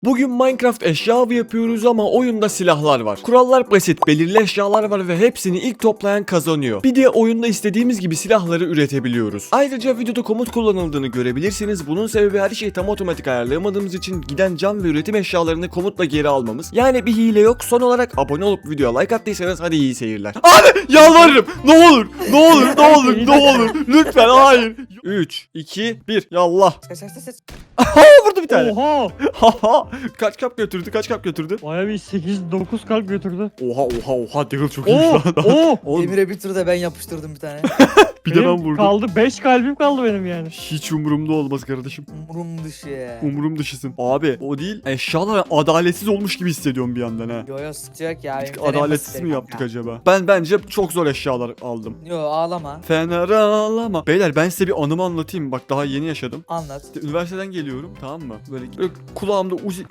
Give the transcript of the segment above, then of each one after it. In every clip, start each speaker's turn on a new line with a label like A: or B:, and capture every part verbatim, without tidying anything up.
A: Bugün Minecraft eşya avı yapıyoruz ama oyunda silahlar var. Kurallar basit, belirli eşyalar var ve hepsini ilk toplayan kazanıyor. Bir de oyunda istediğimiz gibi silahları üretebiliyoruz. Ayrıca videoda komut kullanıldığını görebilirsiniz. Bunun sebebi her şeyi tam otomatik ayarlayamadığımız için giden cam ve üretim eşyalarını komutla geri almamız. Yani bir hile yok. Son olarak abone olup videoya like attıysanız hadi iyi seyirler. Abi yalvarırım. Ne olur, ne olur, ne olur, ne olur. Lütfen hayır. üç, iki, bir. Yallah.
B: Kaç kaç kaç kaç.
A: Aha vurdu bir tane.
C: Oha!
A: Haha. Kaç kap götürdü? Kaç kap götürdü?
C: Baya bir sekiz dokuz kalp götürdü.
A: Oha oha oha Daryl çok iyi
C: Oo!
A: lan.
C: Oo!
A: Oğlum
B: Emir'e bir tur da ben yapıştırdım bir tane.
A: bir de ben
C: Benim
A: vurdum.
C: Kaldı beş kalbim kaldı benim yani.
A: Hiç umurumda olmaz kardeşim.
B: Umurum dışı ya.
A: Umurum dışısın. Abi o değil. Eşyalar adaletsiz olmuş gibi hissediyorum bir yandan ha.
B: Yo yo sıkacak ya.
A: Bir tık
B: benim fena
A: adaletsiz
B: basitler
A: mi yaptık
B: kanka.
A: acaba? Ben bence çok zor eşyalar aldım.
B: Yo ağlama.
A: Fener ağlama. Beyler ben size bir anımı anlatayım. Bak daha yeni yaşadım.
B: Anlat.
A: İşte üniversiteden geliyorum, tamam mı? Böyle, böyle kulağımda uzi...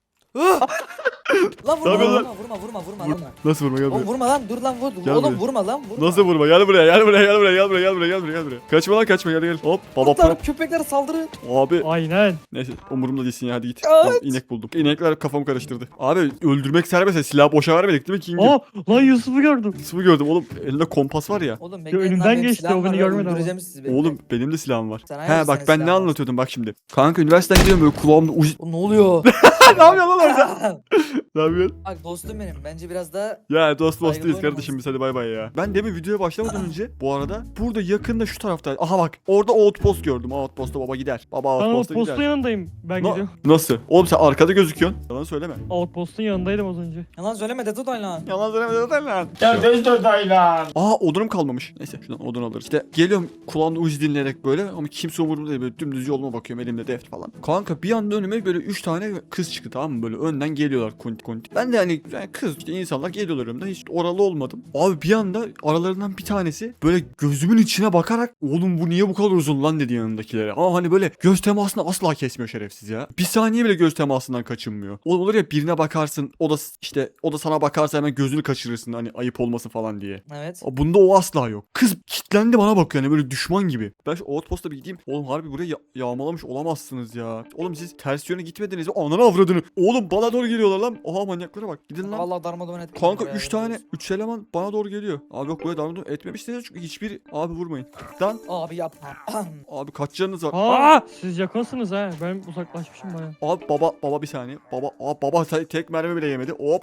B: Lan
A: Ne
B: vurma
A: yapıyorsun
B: vurma vurma vurma vurma
A: Vur-
B: vurma.
A: Nasıl vurma, gel buraya.
B: Oğlum vurma lan dur lan vur.
A: Gel
B: Oğlum
A: buraya.
B: vurma lan vurma.
A: Nasıl vurma? Gel buraya, gel buraya, gel buraya, gel buraya, gel buraya, gel buraya, gel buraya. Kaçma lan, kaçma, gel gel. Hop, baba
B: Kurtlar
A: pro.
B: köpekler saldırı.
A: Abi
C: Aynen.
A: neyse umurumda değilsin ya, hadi git.
B: Evet.
A: Tamam, inek buldum. İnekler kafamı karıştırdı. Abi öldürmek serbest, silah boşa vermedik değil mi King'im?
C: Aa! Lan Yusuf'u gördüm.
A: Sıvı gördüm oğlum, elinde kompas var ya.
B: Oğlum
C: Yo, önümden geçti, o beni görmedi ama.
B: Sizi bekle.
A: Oğlum benim de silahım var.
B: Sen
A: He
B: hangi
A: bak
B: senin
A: ben ne
B: silahın var?
A: anlatıyordum bak şimdi. Kanka üniversiteden gidiyorum böyle kulağımda uzi...
B: Oğlum ne oluyor?
A: Ne yapıyorsun lan orada? Ne yapıyorsun?
B: Bak dostum benim. Bence biraz da
A: Ya dost dost
B: Saygılı
A: değiliz kardeşim, biz hadi bay bay ya. Ben demin videoya başlamadan önce bu arada burada yakında şu tarafta. Aha bak orada outpost gördüm. Outpost'a baba gider. Baba
C: Ben
A: outpost'a
C: outpostun
A: gider.
C: yanındayım. Ben
A: Na-
C: gidiyorum.
A: Nasıl? Oğlum sen arkada gözüküyorsun. Yalan söyleme.
C: Outpostun yanındaydım az önce.
B: yalan söyleme de tut lan.
A: Yalan söyleme zaten lan.
D: Ya döz döz lan.
A: Aa odunum kalmamış. Neyse şuradan odun alırız. İşte geliyorum kulağımda uzi dinleyerek böyle ama kimse umurumda değil, böyle dümdüz yoluma bakıyorum, elimde defter falan. Kanka bir anda önüme böyle üç tane kız çıktı, tamam mı, böyle önden geliyorlar kunti kunti. Ben de hani yani kız işte insanlar geliyorlar önümden, hiç oralı olmadım. Abi bir anda aralarından bir tanesi böyle gözümün içine bakarak oğlum bu niye bu kadar uzun lan dedi yanındakilere. Ama hani böyle göz temasını asla kesmiyor şerefsiz ya. Bir saniye bile göz temasından kaçınmıyor. Oğlum olur ya, birine bakarsın o da işte o da sana bakarsa hemen gözünü kaçırırsın hani ayıp olmasın falan diye.
B: Evet.
A: Bunda o asla yok. Kız kitlendi bana bakıyor yani böyle düşman gibi. Ben şu outpost'a bir gideyim. Oğlum harbi buraya ya- yağmalamış olamazsınız ya. Oğlum siz ters yöne gitmediniz mi? Ananı avradını. Oğlum bana doğru geliyorlar lan. Oha manyaklara bak. Gidin lan.
B: Vallahi darmadağın ettim.
A: Kanka üç tane üç eleman bana doğru geliyor. Abi yok böyle darmadağın etmemişsiniz çünkü hiçbir abi vurmayın. Lan
B: Abi yapma.
A: abi kaç canınız var?
C: Aa! Siz yakınsınız ha. Ben uzaklaşmışım baya.
A: Abi baba baba bir saniye. Baba abi baba te- tek mermi bile yemedi. Hop.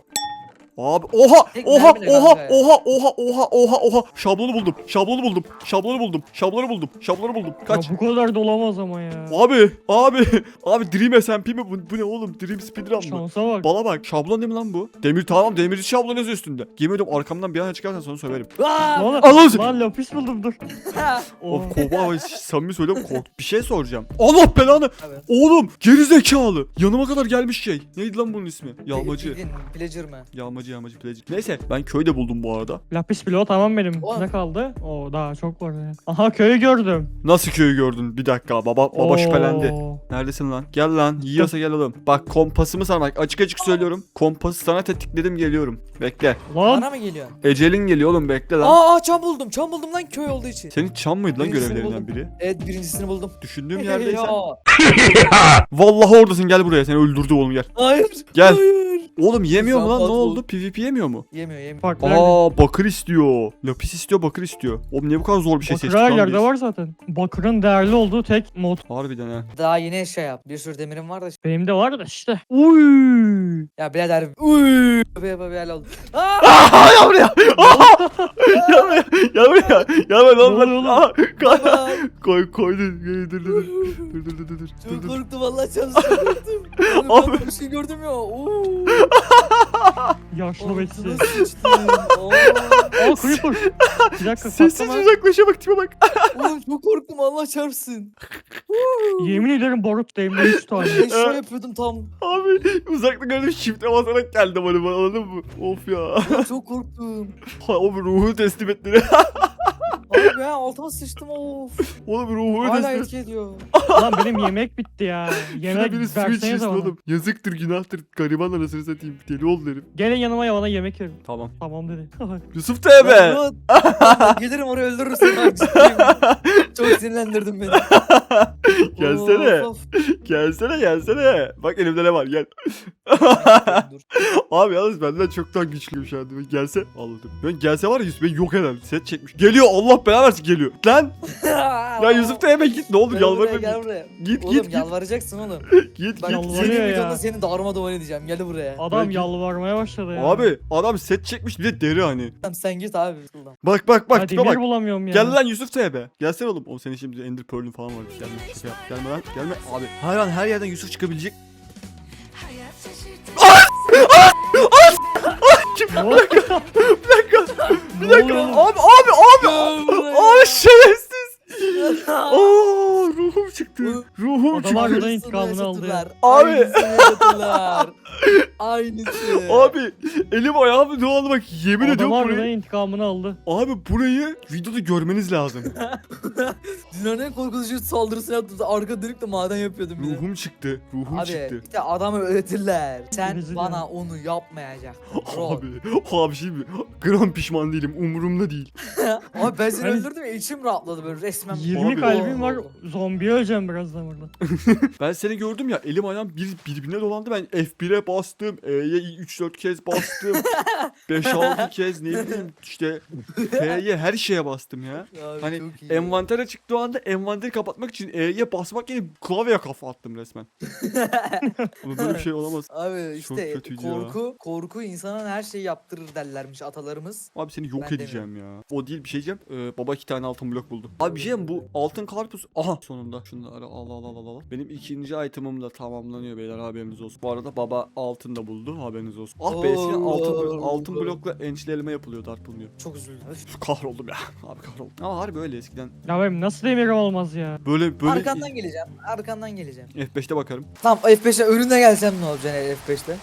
A: Abi oha
B: Tek
A: oha
B: mermi ne
A: oha
B: kanka ya?
A: oha oha oha oha oha şablonu buldum. Şablonu buldum. Şablonu buldum. Şablonu buldum. Şablonu buldum. Kaç.
C: Ya bu kadar da olamaz ama ya.
A: Abi abi abi Dream S M P mi bu, bu ne oğlum, Dream Speedrun mı?
C: Şansa bak.
A: Bana bak, şablon değil mi lan bu? Demir, tamam demirci şablon yazıyor üstünde. Yemin ediyorum arkamdan bir ana çıkarsan sana söverim.
B: Aa!
C: Lan,
A: Allah'ım.
C: lan lapis buldum dur.
A: Of
C: Oha.
A: kova abi samimi söylüyorum, kork. Bir şey soracağım. Allah belanı.
B: Evet.
A: Oğlum geri zekalı. Yanıma kadar gelmiş şey. Neydi lan bunun ismi? Yağmacı.
B: Bildin, Pillager mı?
A: Yağmacı yağmacı plajı. Neyse ben köyde buldum bu arada.
C: Lapis bloğu tamam benim.
B: Oğlum.
C: Ne kaldı? Oo daha çok var ya. Aha köyü gördüm.
A: Nasıl köyü gördün? Bir dakika baba baba
C: Oo.
A: şüphelendi. Neredesin lan? Gel lan. Yiyorsa gel oğlum. Bak kompasımı sana bak açık açık söylüyorum. Kompası sana tetikledim, geliyorum. Bekle.
C: Lan
B: Bana mı geliyorsun?
A: Ecelin geliyor oğlum, bekle lan.
B: Aa, aa çam buldum. Çam buldum lan köy olduğu için.
A: Senin çam mıydı lan
B: Birincisini
A: görevlerinden
B: buldum.
A: biri?
B: Evet birincisini buldum.
A: Düşündüğüm yerdeysen.
B: Ya.
A: Vallahi oradasın, gel buraya, seni öldürdü oğlum, gel.
B: Hayır.
A: Gel.
B: Hayır.
A: Oğlum yemiyor mu lan, ne
B: Zaten
A: oldu? PvP yemiyor mu?
B: Yemiyor yemiyor.
C: bak nerede?
A: Aa bakır istiyor. Lapis istiyor, bakır istiyor. Oğlum niye bu kadar zor bir şey
C: Bakır
A: seçtik
C: her
A: lan
C: yerde
A: biz?
C: var zaten. Bakırın değerli olduğu tek mod.
A: Harbiden ha.
B: Daha yeni eşya yap. Bir sürü demirim var da.
C: Benim de var da işte. Uy.
B: Ya birader. Uy. Be be be oldu. Aa!
A: Aa ya buraya. Aa! Ya buraya. Ya buraya. Ya buraya lan
C: Ne oluyor
A: lan.
C: oğlum?
A: Aa, koy.
B: Baba.
A: Koy koy dur dur dur dur dur dur dur dur dur
B: Çok
A: dur.
B: korktum vallahi çok korktum.
A: Abi.
B: Abi ben bir şey gördüm ya. Oo.
C: Yaşlı bekçi.
B: Altıma sıçtım. Aa.
C: Aa creeper. Bir dakika
A: Sessiz
C: patlama.
A: uzaklaşa bak, tipe bak.
B: Oğlum çok korktum Allah çarpsın.
C: Yemin ederim barut değmedi üç tane.
B: Eşya yapıyordum tam.
A: Abi uzakta gördüm, shift'e basarak geldi bana, anladın mı? Of ya.
B: Oğlum çok korktum.
A: Ha, o ruhu teslim ettiler.
B: Abi ben altıma sıçtım of.
A: Oğlum ruhu
B: Hala
A: ödesin.
B: etki ediyor.
C: Lan benim yemek bitti ya.
A: Şuna
C: Yemek
A: biri switch
C: versenize
A: yesin
C: bana.
A: oğlum. Yazıktır günahtır. Gariban anasını satayım. Deli oldu herif.
C: Gelin yanıma ya bana yemek verin.
A: Tamam.
C: Tamam dedi.
A: Yusuf teybe.
B: Lan, lan, gelirim oraya öldürürsün bak ciddiyim. Çok sinirlendirdin beni.
A: Gelsene.
B: Of, of.
A: Gelsene gelsene. Bak elimde ne var gel.
B: Dur.
A: Abi yalnız benden çoktan güçlüyüm şu anda. Ben gelse anladım. Ben gelse var ya Yusuf beni yok eder. Set çekmiş. Geliyor Allah belanı versin geliyor. Lan. Ya Yusuf teybe git ne olur
B: Gel buraya,
A: yalvarırım.
B: gel buraya.
A: Git
B: Oğlum
A: git git.
B: yalvaracaksın oğlum.
A: Git
B: Bak
A: git.
C: Yalvarıyor
B: senin
C: ya.
B: videonda seni darma duman edeceğim. Gel buraya.
C: Adam
A: Belki-
C: yalvarmaya başladı ya.
A: Abi adam set çekmiş bir de deri hani.
B: Tamam sen git abi. Şuradan.
A: Bak bak bak
C: Ya
A: tipe
C: demir
A: bak.
C: bulamıyorum ya.
A: Gel lan Yusuf teybe. Gelsene oğlum. O senin şimdi Ender Pearl'ün falan var. Gelme şaka yap. Gelme lan. Gelme abi. Her an her yerden Yusuf çıkabilecek. Kim?
C: Ne oluyor?
A: Bir dakika. Bir
C: Ne
A: dakika.
C: oluyor?
A: Abi abi abi.
B: Gel buraya.
A: Abi şerefsiz. Aa ruhum çıktı. Ruhum
C: Adam
A: çıktı.
C: harbiden
B: Aynısını
C: intikamını aldı ya.
B: yaşadılar.
A: Abi.
B: Aynısını yaşadılar. Aynısı.
A: Abi elim ayağım doğalı bak yemin
C: Adam
A: ediyorum
C: harbiden
A: burayı.
C: intikamını aldı.
A: Abi burayı videoda görmeniz lazım.
B: Dünyanın en korkutucu saldırısını yaptım. Arka dönük de maden yapıyordum bir de.
A: Ruhum çıktı. Ruhum
B: Abi
A: çıktı.
B: işte adamı öğretirler. Sen
C: Rezil
B: bana
C: ya.
B: onu yapmayacaksın. Bro.
A: Abi, abi şey mi? Gram pişman değilim. Umurumda değil.
B: Abi ben seni
C: Hani-
B: öldürdüm ya içim rahatladı böyle resmen.
C: yirmi
A: Abi-
C: kalbim var. Zombiye öleceğim birazdan burada.
A: Ben seni gördüm ya elim ayağım bir, birbirine dolandı. Ben F bir'e bastım. E'ye üç dört kez bastım. beş altı kez ne bileyim işte F'ye her şeye bastım ya.
B: Abi
A: Hani
B: çok iyi.
A: envantere çıktığı anda envanteri kapatmak için E'ye basmak yerine klavyeye kafa attım resmen. Ama böyle bir şey olamaz.
B: Abi
A: Çok
B: işte
A: kötüydü ya.
B: korku korku insanın her şeyi yaptırır derlermiş atalarımız.
A: Abi seni yok
B: Ben
A: edeceğim ya. O değil bir şey diyeceğim. Ee, baba iki tane altın blok buldu. Abi bir şey diyeyim, bu altın karpuz. Aha sonunda. Şunları al al al al al. Benim ikinci item'ım da tamamlanıyor beyler haberiniz olsun. Bu arada baba altın da buldu haberiniz olsun. Ah be eskiden altın, blo- altın blokla ençleleme yapılıyordu artılmıyor.
B: Çok üzüldüm. Öf.
A: Kahroldum ya. Abi kahroldum. Ama harbi öyle eskiden.
C: Ya benim nasıl demirim olmaz ya.
A: Böyle böyle
B: Arkandan geleceğim. Arkandan geleceğim.
A: F beşte bakarım.
B: Tamam F beşe önüne gelsem ne olacaksın F beşte?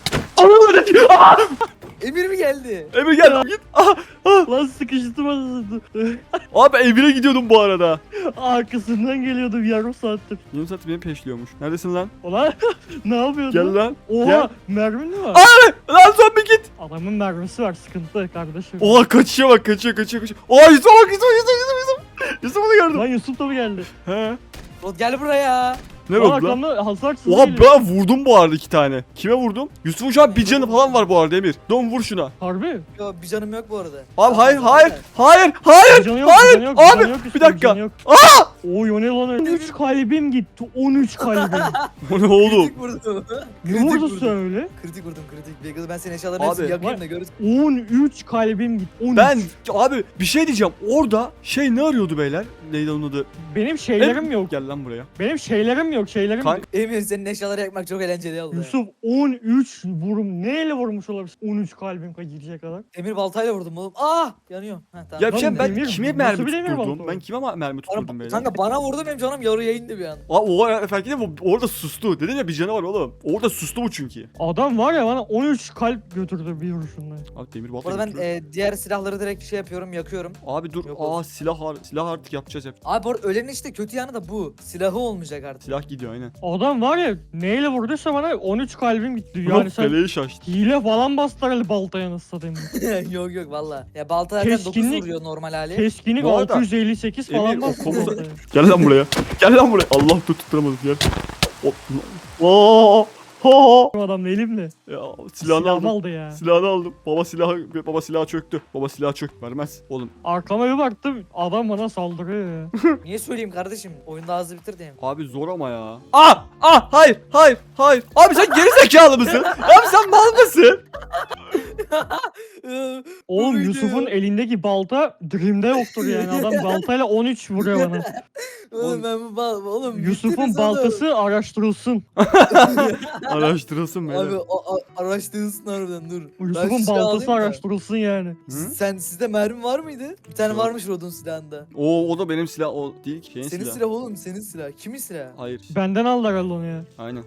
B: Emir mi geldi?
A: Emir gel git. Ah, ah.
C: Lan sıkıştım anasını.
A: Abi Emir'e gidiyordum bu arada.
C: Arkasından geliyordum yarım saattir.
A: Yarım saat beni peşliyormuş. Neredesin lan?
C: Ulan ne yapıyordun?
A: Gel lan.
C: Oha
A: Gel.
C: mermin mi var?
A: Lan zombi git.
C: Adamın mermisi var sıkıntı kardeşim.
A: Oha kaçıyor bak kaçıyor kaçıyor kaçıyor. Oha Yusuf bak Yusuf Yusuf Yusuf Yusuf. Yusuf'u da gördüm.
C: Lan Yusuf da mı geldi?
A: He.
B: Rod gel buraya.
A: Ne
C: Lan
A: oldu lan?
C: arkamda hasarsız
A: Oha
C: geliyor.
A: ben vurdum bu arada iki tane. Kime vurdum? Yusuf'un şu an bir canı falan var bu arada Emir. Don vur şuna.
C: Harbi?
B: Yo bir canım yok bu arada.
A: Abi hayır
B: Tamam,
A: hayır
B: zaten.
A: hayır hayır.
C: Bir canı yok,
A: hayır,
C: bir canı yok,
A: abi,
C: bir canı yok,
A: bir
C: Yusuf'un,
A: dakika.
C: canı yok.
A: Aa!
C: Oy o ne lan öyle? on üç kalbim gitti. on üç kalbim.
A: O ne oğlum?
B: Kritik vurdum.
C: Ne
B: Kritik
C: vurdu
B: vurdum.
C: söyle?
B: Kritik vurdum kritik. Bekle ben senin eşyalarını
A: Abi,
B: hepsini yakayım
C: vay-
B: da görürsün.
C: on üç kalbim gitti. on üç.
A: Ben abi bir şey diyeceğim. Orada şey ne arıyordu beyler? Neydi onun adı?
C: Benim şeylerim yok.
A: Gel lan buraya.
C: Benim şeylerim yok. Şeylerim
A: Kanka-
C: yok.
B: Emir senin eşyaları yakmak çok eğlenceli oldu.
C: Yusuf on üç vurum. Neyle vurmuş olabilir? on üç kalbim gidecek kadar.
B: Emir baltayla vurdum oğlum. Ah yanıyor. Heh, tamam.
A: Ya bir şey
C: Lan
A: ben
C: Emir,
A: kime
C: nasıl
A: mermi
C: bilemiyorum
A: tutturdum?
C: onu.
A: Ben kime ma- mermi tutturdum
B: Bana,
A: beyler?
B: kanka bana vurdu benim canım yarı yayındı bir an.
A: Aa o efendim bu orada sustu. Dedim ya bir canı var oğlum. Orada sustu bu çünkü.
C: Adam var ya bana on üç kalp götürdü bir vuruşunda.
A: Abi demir
B: Bu
A: balta
B: arada ben
A: götürüyor.
B: e, diğer silahları direkt şey yapıyorum yakıyorum.
A: Abi dur.
B: Yok
A: Aa
B: olsun.
A: silah har- silah artık yapacağız hep.
B: Abi bu arada ölenin işte kötü yanı da bu. Silahı olmayacak artık.
A: Silah gidiyor aynen.
C: Adam var ya neyle vurduysa bana on üç kalbim gitti.
A: Ulan
C: Yani sen
A: feleği şaştı.
C: hile falan bastılar hele baltaya nasıl satayım.
B: yok yok valla. Ya balta zaten dokuz
C: Keskinlik-
B: vuruyor normal hali.
C: Keskinlik
A: Bu arada-
C: altı yüz elli sekiz falan
A: Emir, o
C: bastı
A: komuta-
C: baltaya.
A: Gel lan buraya. Gel lan buraya. Allah tut tutturamadım gel. Oo. Ha.
C: Adam elimle.
A: Ya silahını
C: Silahımı
A: aldım.
C: aldı ya.
A: Silahını aldım. Baba silahı baba silahı çöktü. Baba silahı çök vermez. Oğlum
C: Arkama bir baktım adam bana saldırıyor ya.
B: Niye söyleyeyim kardeşim? Oyunda hızlı bitir diyeyim.
A: abi zor ama ya. Ah ah hayır hayır hayır. Abi sen geri zekalı mısın? Abi sen mal mısın?
C: Oğlum
B: Buydu.
C: Yusuf'un elindeki balta Dream'de yoktur yani. Adam baltayla on üç vuruyor bana.
B: Oğlum ben bu bal oğlum.
C: Yusuf'un
B: bittiniz oğlum.
C: baltası araştırılsın.
A: Araştırılsın
B: Abi
A: beni.
B: o, a- araştırsın harbiden dur. Ben
C: Yusuf'un
B: şu silahı
C: baltası
B: alayım da.
C: araştırılsın yani.
A: Hı?
B: Sen sizde mermi var mıydı? Bir tane
A: Yok.
B: varmış Rod'un silahında.
A: O o da benim silah o değil ki şeyin
B: Senin
A: silahı.
B: silah oğlum senin silah. Kimin silahı?
A: Hayır.
C: Benden aldı herhalde onu ya.
A: Aynen.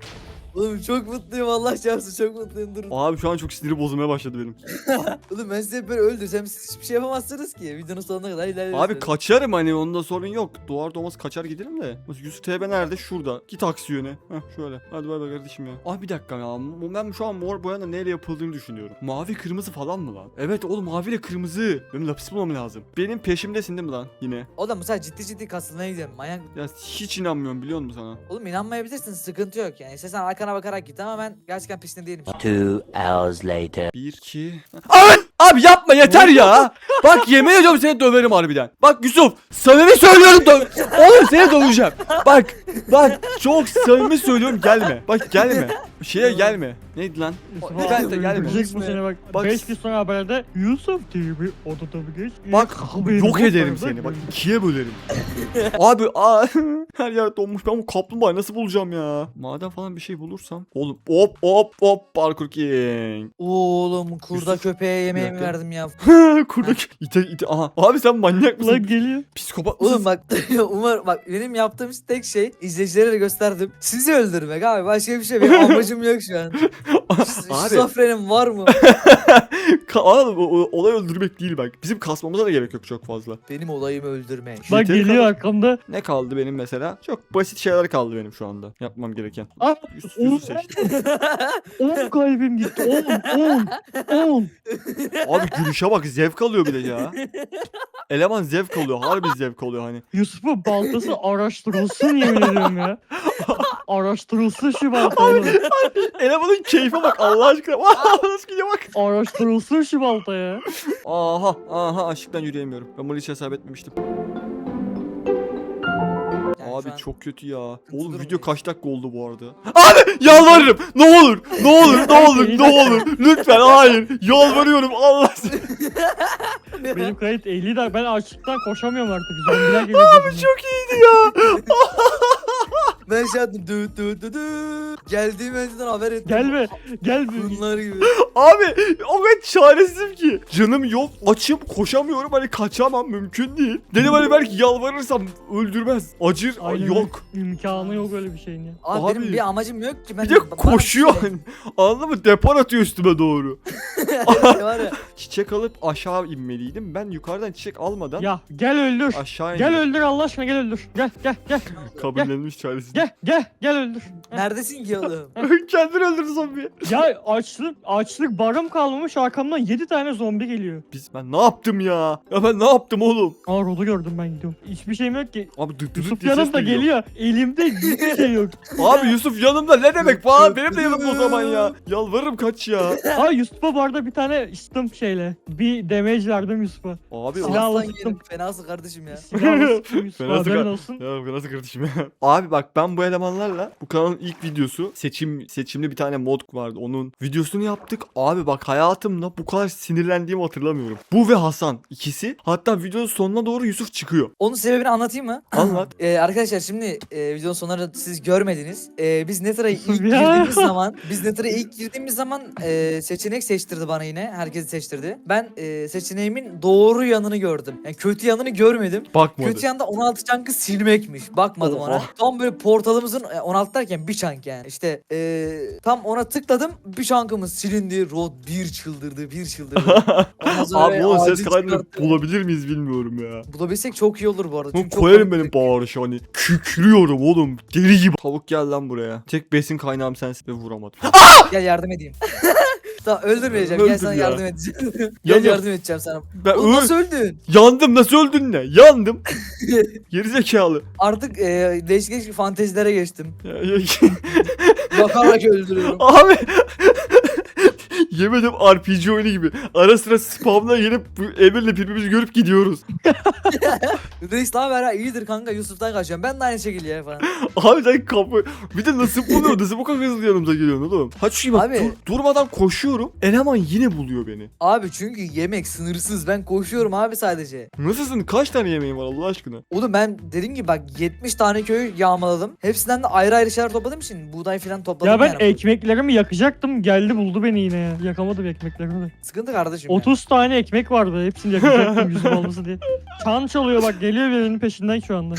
B: Oğlum çok mutluyum Allah çarpsın çok mutluyum durun.
A: Abi şu an çok siniri bozulmaya başladı benim.
B: Oğlum ben size böyle öldürsem siz hiçbir şey yapamazsınız ki. Videonun sonuna kadar ilerlersiniz.
A: Abi kaçarım hani onda sorun yok. Doğar doğmaz kaçar giderim de. Yusuf T B nerede? Şurada. Git aksi yöne. Heh şöyle. Hadi bay bay kardeşim ya. Abi bir dakika ya. Ben şu an mor boyanın neyle yapıldığını düşünüyorum. Mavi kırmızı falan mı lan? Evet oğlum maviyle kırmızı. Benim lapis bulmam lazım. Benim peşimdesin değil mi lan yine?
B: Oğlum bu sefer ciddi ciddi kasılmaya gidiyorum manyak.
A: Ya hiç inanmıyorum biliyor musun sana?
B: Oğlum inanmayabilirsin sıkıntı yok yani. İstersen arkana bakarak git ama ben gerçekten peşinde değilim.
D: Two hours later.
A: Bir, iki... Abi, abi yapma yeter ya. Bak yemin ediyorum seni döverim harbiden. Bak Yusuf samimi söylüyorum dö Oğlum seni döveceğim. Bak bak çok samimi söylüyorum gelme. Bak gelme. Şeye gelme. Neydi lan?
C: Yusuf
A: O-
C: abi
A: ben de gelme.
C: öldürecek bu seni bak.
A: Bak-
C: beş gün sonra haberde Yusuf diye bir odada bir geç.
A: Bak yok ederim seni. Bak ikiye bölerim. Abi aa, her yer donmuş. Ben bu kaplumbağayı nasıl bulacağım ya? Maden falan bir şey bulursam. Oğlum hop hop hop parkur king.
B: Oğlum kurda
A: Yusuf,
B: köpeğe yemeğimi
A: dakika.
B: verdim ya.
A: Kurdaki ite ite. Aha. Abi sen manyak mısın?
C: Lan geliyor.
A: Psikopat mısın?
B: Oğlum bak Umar bak benim yaptığım tek şey izleyicilere de gösterdim. Sizi öldürmek abi başka bir şey benim amacım yok şu an.
A: Abi.
B: Şizofrenim var mı?
A: Ka- Oğlum, o- o- olay öldürmek değil bak. Bizim kasmamıza da gerek yok çok fazla.
B: Benim olayım öldürmek.
C: Bak
A: Yeteri
C: geliyor
A: kadar-
C: arkamda.
A: Ne kaldı benim mesela? Çok basit şeyler kaldı benim şu anda. Yapmam gereken.
C: Ah,
A: Yusuf,
C: on,
A: Yusuf seçtim.
C: on kalbim gitti. on, on, on.
A: Abi gülüşe bak zevk alıyor bir de ya. Eleman zevk alıyor. Harbi zevk alıyor hani.
C: Yusuf'un baltası araştırılsın yemin ediyorum ya. Araştırılsın şu balta oğlum.
A: Elemanın keyfe bak Allah aşkına. Nasıl gidiyor bak.
C: Araştırılsın şu balta ya.
A: Aha aha aşıktan yürüyemiyorum. Ben bunu hiç hesap etmemiştim.
B: Yani
A: Abi
B: şu an-
A: çok kötü ya. Oğlum
B: durumdayız.
A: video kaç dakika oldu bu arada? Abi yalvarırım. Ne olur. Ne olur. Ne olur. Ne olur. Lütfen hayır. Yalvarıyorum Allah seni.
C: Benim kayıt elli dakika. Ben açlıktan koşamıyorum artık. Zombiler geliyor. Abi
A: Çok iyiydi ya.
B: Ben şey yaptım dü dü dü dü. Geldiğim önceden haber ettim.
C: Gelme. Gel.
B: Bunlar gibi.
A: Abi o kadar çaresizim ki. Canım yok açım koşamıyorum hani kaçamam mümkün değil. Dedim hani belki yalvarırsam öldürmez. Acır
C: Aynen.
A: yok.
C: İmkanı yok öyle bir şeyin ya.
B: Abi,
A: Abi.
B: benim bir amacım yok ki. Ben
A: Bir de koşuyor hani. Anladın mı? Depar atıyor üstüme doğru.
B: Var ya.
A: Çiçek alıp aşağı inmeliydim. Ben yukarıdan çiçek almadan
C: Ya gel öldür.
A: aşağı
C: Gel
A: indim.
C: öldür Allah aşkına gel öldür. Gel gel gel.
A: Kabullenmiş çaresiz.
C: Gel gel gel öldür.
B: Neredesin ki oğlum?
A: Kendini öldürdü zombi.
C: Ya açlık açlık barım kalmamış arkamdan yedi tane zombi geliyor.
A: Biz ben ne yaptım ya? Ya ben ne yaptım oğlum?
C: Aa Rod'u gördüm ben gidiyorum. Hiçbir şeyim yok ki.
A: Abi dık dık
C: Yusuf
A: diye ses
C: yanımda
A: duyuyor.
C: geliyor. Elimde hiçbir şey yok.
A: Abi Yusuf yanımda ne demek falan benim de yanımda o zaman ya. Yalvarırım kaç ya.
C: Aa Yusuf'a bu arada bir tane sıktım şeyle. Bir damage verdim Yusuf'a.
A: Abi
C: Silah-
A: o...
C: Silahla
B: Aslan
C: sıktım.
B: yerim. Fenasın kardeşim ya.
C: Silahla sıktım Yusuf'a
A: Fena
C: haberin
A: sıkar.
C: olsun.
A: Ya bu nasıl kardeşim ya? Abi bak ben bu elemanlarla bu kanalın ilk videosu seçim seçimli bir tane mod vardı. Onun videosunu yaptık. Abi bak hayatımda bu kadar sinirlendiğimi hatırlamıyorum. Bu ve Hasan ikisi. Hatta videonun sonuna doğru Yusuf çıkıyor.
B: Onun sebebini anlatayım mı?
A: Anlat.
B: Ee, arkadaşlar şimdi e, videonun sonlarında siz görmediniz. Ee, biz Nether'a ilk
C: Ya.
B: girdiğimiz zaman biz Nether'a ilk girdiğimiz zaman e, seçenek seçtirdi bana yine. Herkesi seçtirdi. Ben e, seçeneğimin doğru yanını gördüm. Yani kötü yanını görmedim.
A: Bakmadı.
B: Kötü yanda on altı çankı silmekmiş. Bakmadım
A: Oha.
B: ona. Tam böyle portalımızın e, on altı derken bir çank yani. İşte e, tam ona tıkladım. Bir çankımız silindi. Rod bir çıldırdı, bir çıldırdı. Ondan sonra
A: Abi onun ses
B: acil
A: kaydını
B: çıkarttı.
A: bulabilir miyiz bilmiyorum ya.
B: Bulabilsek çok iyi olur bu arada.
A: Bunu
B: Çünkü çok
A: koyarım
B: komik.
A: benim bağırışı hani. Kükrüyorum oğlum. Deli gibi. Tavuk gel lan buraya. Tek besin kaynağım sensin ve vuramadım.
B: Gel yardım edeyim. Tamam öldürmeyeceğim.
A: Öldür
B: Gel sana
A: ya.
B: yardım edeceğim. Gel
A: Yanıyorum.
B: yardım edeceğim sana.
A: Ben
B: Oğlum
A: ö-
B: nasıl öldün?
A: yandım nasıl öldün ne? Yandım. Gerizekalı.
B: Artık e, değişik değişik fantezilere geçtim.
A: Ya- ya-
B: Bakarak öldürüyorum.
A: Abi yemedim R P G oyunu gibi. Ara sıra spamla gelip bu Emir'le birbirimizi görüp gidiyoruz.
B: Reis daha ver ha iyidir kanka Yusuf'tan kaçıyorum. Ben de aynı şekilde ya falan.
A: Abi sen kapı... Bir de nasıl buluyor? Nasıl bu kadar hızlı yanımıza geliyorsun oğlum? Hadi şu bak
B: Abi-
A: dur- durmadan koşuyorum. Eleman yine buluyor beni.
B: Abi çünkü yemek sınırsız. Ben koşuyorum abi sadece.
A: Nasılsın? Kaç tane yemeğin var Allah aşkına?
B: Oğlum ben dediğim gibi bak yetmiş tane köyü yağmaladım. Hepsinden de ayrı ayrı şeyler topladığım için buğday falan topladım
C: Ya ben
B: yani.
C: ekmeklerimi yakacaktım. Geldi buldu beni yine ya. yakamadım ekmeklerimi de.
B: Sıkıntı kardeşim. ya.
C: otuz tane ekmek vardı. Hepsini yakacaktım Yusuf olması diye. Çan çalıyor bak, geliyor birinin peşinden şu anda.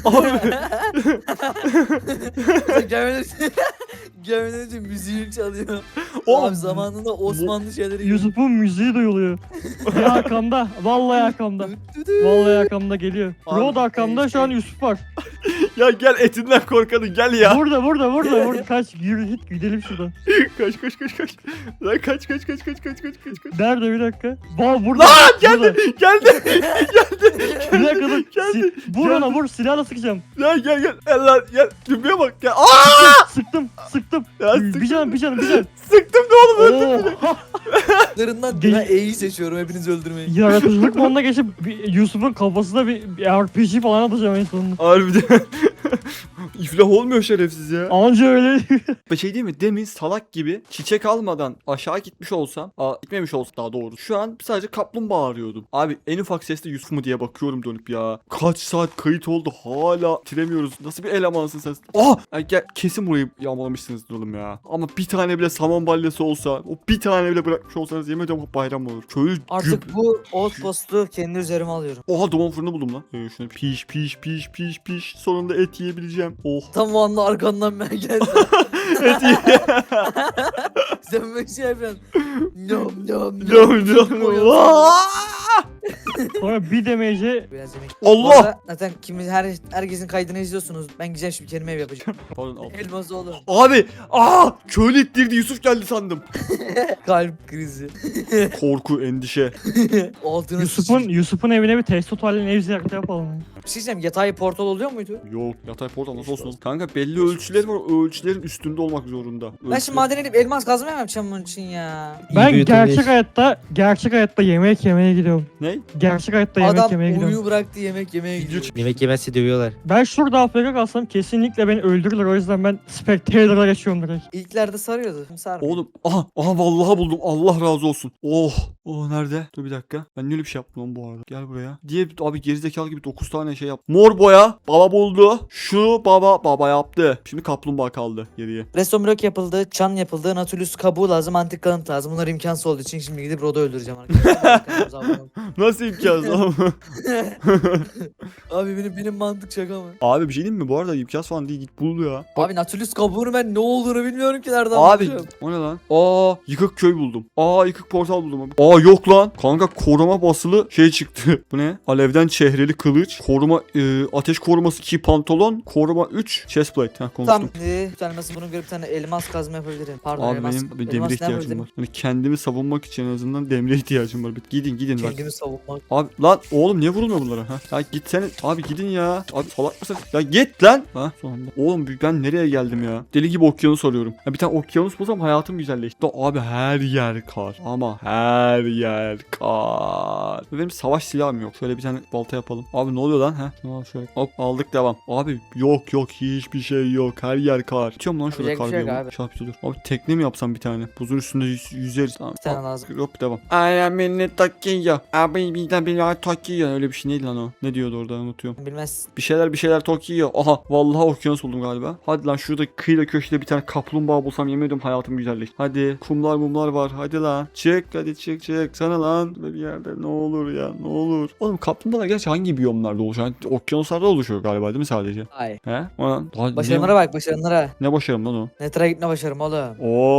B: Gelmeden gelmeden önce müziğini çalıyor.
A: Oğlum,
B: Abi zamanında Osmanlı şeyleri.
C: Yusuf'un müziği duyuluyor. Ya arkamda. Vallahi arkamda. Vallahi arkamda geliyor.
A: Abi,
C: Road arkamda, şu an Yusuf var.
A: Ya gel etinden korkanın gel ya.
C: Burada burada burada. burada. Kaç yürü git gidelim şuradan.
A: Kaç kaç kaç kaç. Lan kaç kaç kaç kaç kaç kaç kaç kaç.
C: Nerede bir dakika? Var burada.
A: Lan
C: geldi.
A: Geldi.
C: Bir dakika dur.
A: Geldi.
C: Si- vur ona vur, silahla sıkacağım.
A: Ya gel gel. Gel lan gel. Cümbeye bak gel. Aa!
C: Sıktım sıktım.
A: Ya
C: Bir
A: sıktım.
C: canım bir canım bir canım.
A: Sıktım da oğlum öldüm.
C: Oo.
B: Larından
C: Gel-
B: ben E'yi seçiyorum hepinizi öldürmeyi.
C: Yaratıcılık moduna geçip bir- Yusuf'un kafasına bir, bir R P G falan atacağım en sonunda.
A: Harbiden. İflah olmuyor şerefsiz ya.
C: Anca öyle.
A: Bir şey değil mi? Demin salak gibi çiçek almadan aşağı gitmiş olsam, aa, gitmemiş olsa daha doğru. Şu an sadece kaplumbağa arıyordum. Abi en ufak sesle Yusuf mu diye bakıyorum dönüp ya. Kaç saat kayıt oldu hala bitiremiyoruz. Nasıl bir elemansın sen? Aa! Ay, gel, kesin burayı yağmalamışsınızdır oğlum ya. Ama bir tane bile saman balyası olsa, o bir tane bile bırakmış olsanız yemin ediyorum bayram olur. Köylü güp.
B: Artık bu outpost'u kendi üzerime alıyorum.
A: Oha, duman fırını buldum lan. Ee, şunu piş piş piş piş piş. Sonunda et yiyebileceğim. Oh.
B: Tam o anda arkandan ben geldim.
A: Et ye.
B: Sen böyle şey yapıyorsun. Nom nom
A: Nom nom nom. Aa!
C: Sonra bir demece
B: Biraz yemek.
A: Allah!
B: Orada zaten kimi her herkesin kaydını izliyorsunuz. Ben güzel bir kelime ev yapacağım.
A: Pardon al.
B: Elması oğlum.
A: Abi! Aa! Köylü ittirdi, Yusuf geldi sandım.
B: Kalp krizi.
A: Korku, endişe.
B: Altına
C: Yusuf'un
B: sıçayım.
C: Yusuf'un evine bir Testo Halil'in ev ziyareti yapalım.
B: Bir şey diyeceğim. Yatay portal oluyor muydu?
A: Yok, yatay portal nasıl olsun? Kanka belli ölçüleri var, o ölçülerin üstünde olmak zorunda.
B: Ben şimdi
A: Ölçüler-
B: maden edip elmas kazma mı yapacağım bunun için ya?
C: Ben gerçek hayatta gerçek hayatta yemek yemeye gidiyorum.
A: Ne?
C: Gerçek hayatta yemek
B: Adam
C: yemeye gidiyorum.
B: uyu bıraktı yemek yemeye
A: Video
B: gidiyor.
A: çık-
E: Yemek yemezse dövüyorlar.
C: Ben şurada A F K kalsam kesinlikle beni öldürürler, o yüzden ben Spectator'a geçiyorum direkt.
B: İlklerde sarıyordu. Şimdi sarmıyor.
A: Oğlum, aha, aha vallahi buldum. Allah razı olsun. Oh, oh nerede? Dur bir dakika. Ben niye öyle bir şey yaptım lan bu arada? Gel buraya. Diye abi gerizekalı gibi dokuz tane şey yap. Mor boya. Baba buldu. Şu baba baba yaptı. Şimdi kaplumbağa kaldı geriye.
B: Redstone blok yapıldı, çan yapıldı, Nautilus kabuğu lazım, antik kalıntı lazım. Bunlar imkansız olduğu için şimdi gidip Rod'u öldüreceğim arkadaşlar.
A: Nasıl imkansız oğlum?
B: Abi benim benim mantık şaka mı?
A: Abi bir şey diyeyim mi? Bu arada imkansız falan değil. Git bul ya.
B: Abi Nautilus kabuğunu ben ne olduğunu bilmiyorum ki nereden
A: Abi
B: bulacağım.
A: o ne lan? Aa, yıkık köy buldum. Aa, yıkık portal buldum abi. Aa, yok lan. Kanka koruma basılı şey çıktı. Bu ne? Alevden çehreli kılıç. Koruma e, ateş koruması iki pantolon. Koruma üç chestplate. Heh, konuştum.
B: Tamam. Ee, bir tane mesela bunun göre bir tane elmas kazma yapabilirim. Pardon
A: Abi
B: elmas.
A: benim bir
B: elmas
A: demire
B: ne
A: ihtiyacım
B: yapabilirim?
A: var. Hani kendimi savunmak için en azından demire ihtiyacım var. Bir gidin gidin bak.
B: Kendimi savunmak.
A: Abi lan oğlum niye vurulmuyor bunlara? Ha? Ya gitsene. Abi gidin ya. Abi salak mısın? Ya git lan. Ha sonunda. Oğlum ben nereye geldim ya? Deli gibi okyanus arıyorum. Ya bir tane okyanus bulsam hayatım güzelleşti. Abi her yer kar. Ama her yer kar. Benim savaş silahım yok. Şöyle bir tane balta yapalım. Abi ne oluyor lan? Ha? Tamam şöyle. Hop aldık devam. Abi yok yok hiçbir şey yok. Her yer kar. Tutuyorum lan şurada
B: Yapacak
A: kar
B: bir şey yok
A: diyorum.
B: abi.
A: Şapşi dur. Abi tekne mi yapsam bir tane? Buzun üstünde yüz, yüzeriz. Tamam.
B: Bir tane
A: Hop,
B: lazım.
A: Hop devam. Aynen beni takıyor. Abi bir de beni takıyor. Öyle bir şey neydi lan o? Ne diyordu orada unutuyorum.
B: Bilmez.
A: Bir şeyler bir şeyler takıyor. Aha vallahi okyanus buldum galiba. Hadi lan şurada kıyıda köşede bir tane kaplumbağa bulsam yemin ediyorum hayatım güzelleşti. Hadi kumlar mumlar var. Hadi lan. Çık hadi çık çık. Sana lan bir yerde ne olur ya ne olur. Oğlum kaplumbağalar gerçi hangi biyomlarda oluşuyor? Yani okyanuslarda oluşuyor galiba değil mi sadece?
B: Hayır.
A: He? Ulan, daha-
B: Başarımlara bak başarımlara.
A: Ne, ne başarım lan o?
B: Netra gitme başarım oğlum.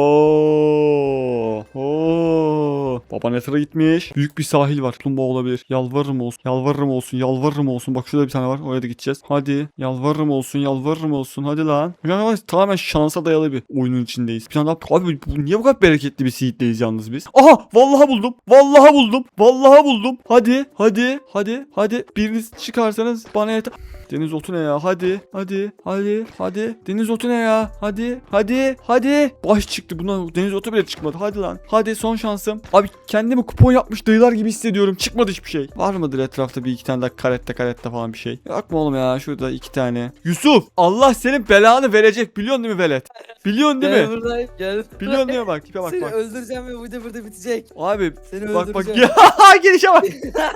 A: Oo. Oo. Baba Nether'a gitmiş. Büyük bir sahil var. Kaplumbağa olabilir. Yalvarırım olsun. Yalvarırım olsun. Yalvarırım olsun. Bak şurada bir tane var. Oraya da gideceğiz. Hadi. Yalvarırım olsun. Yalvarırım olsun. Hadi lan. Yani tamamen şansa dayalı bir oyunun içindeyiz. Bir tane daha. Abi bu, niye bu kadar bereketli bir seed'deyiz yalnız biz? Aha! Vallahi buldum. Vallahi buldum. Vallahi buldum. Hadi. Hadi. Hadi. Hadi. Biriniz çıkarsanız bana yeter. Deniz otu ne ya? Hadi. Hadi. Hadi. Hadi. Deniz otu ne ya? Hadi. Hadi. Hadi. Baş çıktı. Buna deniz otu bile çıkmadı. Hadi lan. Hadi son şansım. Abi kendimi kupon yapmış dayılar gibi hissediyorum. Çıkmadı hiçbir şey. Var mıdır etrafta bir iki tane daha karette karette falan bir şey? Yok mu oğlum ya? Şurada iki tane. Yusuf! Allah senin belanı verecek. Biliyorsun değil mi velet? Biliyorsun değil
B: Gel
A: mi?
B: buradayım gel.
A: Biliyorsun değil mi bak? Tipe bak
B: Seni
A: bak.
B: öldüreceğim ve bu da burada bitecek.
A: Abi
B: Seni
A: bak bak.
B: öldüreceğim.
A: Ya gelişe bak.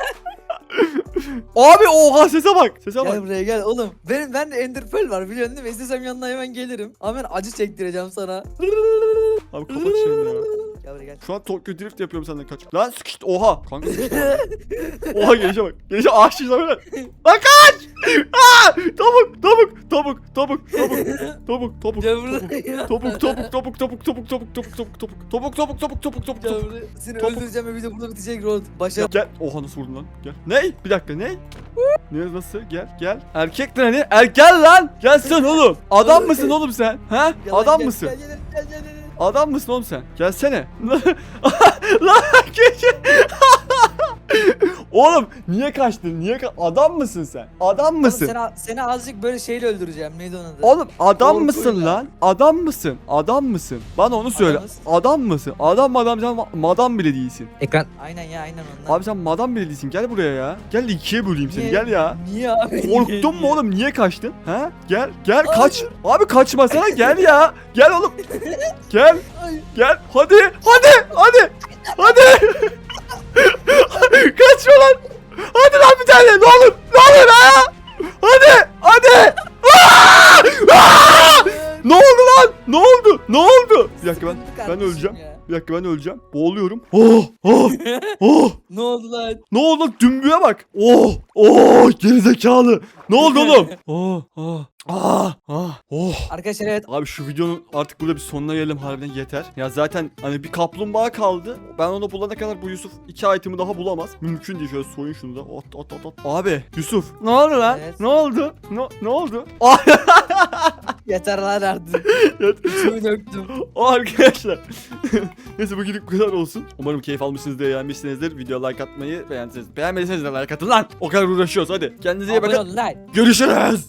A: Abi oha sese bak. Sese
B: Gel
A: bak.
B: buraya gel oğlum. Benim ben de Ender Pearl var biliyorsun değil mi? İstesem yanına hemen gelirim. Ama ben acı çektireceğim sana.
A: Abi kapat şunu ya.
B: Gel buraya gel.
A: Şu an Tokyo Drift yapıyorum senden kaç. Lan sıkıştı. Oha. Kanka sıkıştı. Oha gelişe bak. Gelişe ağaçlıyız böyle. Lan kaç. Aa! Topuk topuk topuk topuk topuk topuk topuk
B: Gel buraya.
A: topuk topuk topuk topuk topuk topuk topuk topuk topuk topuk topuk topuk topuk topuk
B: Gel
A: topuk.
B: buraya. Seni
A: Topuk.
B: öldüreceğim ve video burada bitecek Rod. Başa.
A: Gel, gel. Oha nasıl vurdun lan? Gel. Ney? Bir dakika ney? Ne nasıl? Gel gel. Erkek lan hani? Er gel lan. Gel sen oğlum. Adam mısın oğlum sen? Ha?
B: Gel lan,
A: Adam
B: gel,
A: mısın?
B: Gel gel gel gel. gel.
A: Adam mısın oğlum sen? Gelsene. Lan gece. Oğlum niye kaçtın? Niye ka Adam mısın sen? Adam
B: Oğlum
A: mısın?
B: Seni, seni azıcık böyle şeyle öldüreceğim. Neydi onun adı?
A: Oğlum adam
B: Korkuyla.
A: mısın lan? Adam mısın? Adam mısın? Bana onu söyle.
B: Adamız.
A: Adam mısın? Adam madam sen ma- madam bile değilsin.
B: Ekran. Aynen ya aynen ondan.
A: Abi sen madam bile değilsin. Gel buraya ya. Gel ikiye böleyim seni.
B: Niye?
A: Gel ya.
B: Niye abi?
A: Korktun mu
B: Niye?
A: oğlum? Niye kaçtın? Ha? Gel, gel
B: Ay.
A: kaç. Abi kaçmasana gel ya. Gel oğlum. Gel.
B: Ay.
A: Gel. Hadi. Hadi. Hadi. Hadi. Kaçma lan. Hadi lan bir tane. Ne olur. Ne olur ha. Hadi. Hadi. Aa! Aa! Ne oldu lan? Ne oldu? Ne oldu? Bir dakika ben
B: Sıkıntı
A: ben
B: kardeşim
A: öleceğim.
B: ya.
A: Bir dakika ben öleceğim. Boğuluyorum. Oh! Oh! Oh!
B: Ne oldu lan?
A: Ne oldu lan? Dümbüye bak. Oh! Oh! Gerizekalı. Ne oldu oğlum? Oh! Oh! Ah! Ah! Oh!
B: Arkadaşlar evet.
A: Abi şu videonun artık burada bir sonuna gelelim, harbiden yeter. Ya zaten hani bir kaplumbağa kaldı. Ben onu bulana kadar bu Yusuf iki item'ı daha bulamaz. Mümkün değil, şöyle soyun şunu da. At at at at. Abi Yusuf ne oldu lan?
B: Evet.
A: Ne oldu? Ne, ne oldu?
B: Yeter lan artık. İçimi döktüm.
A: O arkadaşlar. Neyse bugünlük bu kadar olsun. Umarım keyif almışsınızdır, beğenmişsinizdir. Videoya like atmayı beğendiyseniz. Beğenmediyseniz de like atın lan. O kadar uğraşıyoruz hadi. Kendinize iyi
B: Abone
A: bakın.
B: olun lan.
A: Görüşürüz.